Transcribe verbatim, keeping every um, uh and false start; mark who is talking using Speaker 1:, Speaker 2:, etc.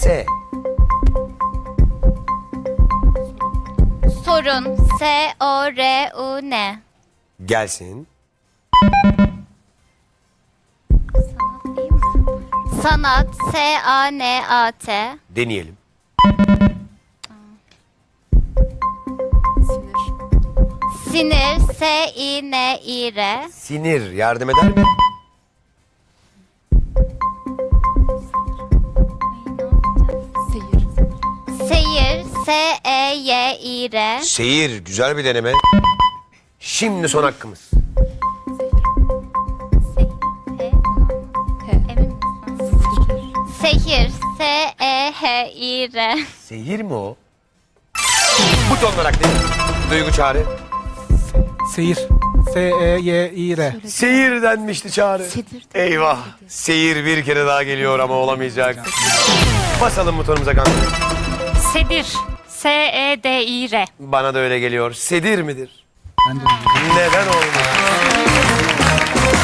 Speaker 1: S.
Speaker 2: Sorun. S O R U N.
Speaker 1: Gelsin.
Speaker 2: Sanat değil mi? Sanat. S A N A T.
Speaker 1: Deneyelim.
Speaker 2: Sinir. S I N İ R.
Speaker 1: Sinir yardım eder mi?
Speaker 2: Seyir. S E Y İ R.
Speaker 1: Seyir güzel bir deneme. Şimdi son hakkımız.
Speaker 2: Emin misin? Sehir. S E H İ R.
Speaker 1: Seyir mi o? Buton olarak değil. Duygu Çağrı.
Speaker 3: Seyir. S E Y İ R.
Speaker 1: Seyir denmişti Çağrı. Eyvah. Seyir bir kere daha geliyor ama olamayacak. Basalım butonumuza kanka.
Speaker 4: Sedir. S E D İ R.
Speaker 1: Bana da öyle geliyor. Sedir midir?
Speaker 3: Bence de.
Speaker 1: Neden olmasın?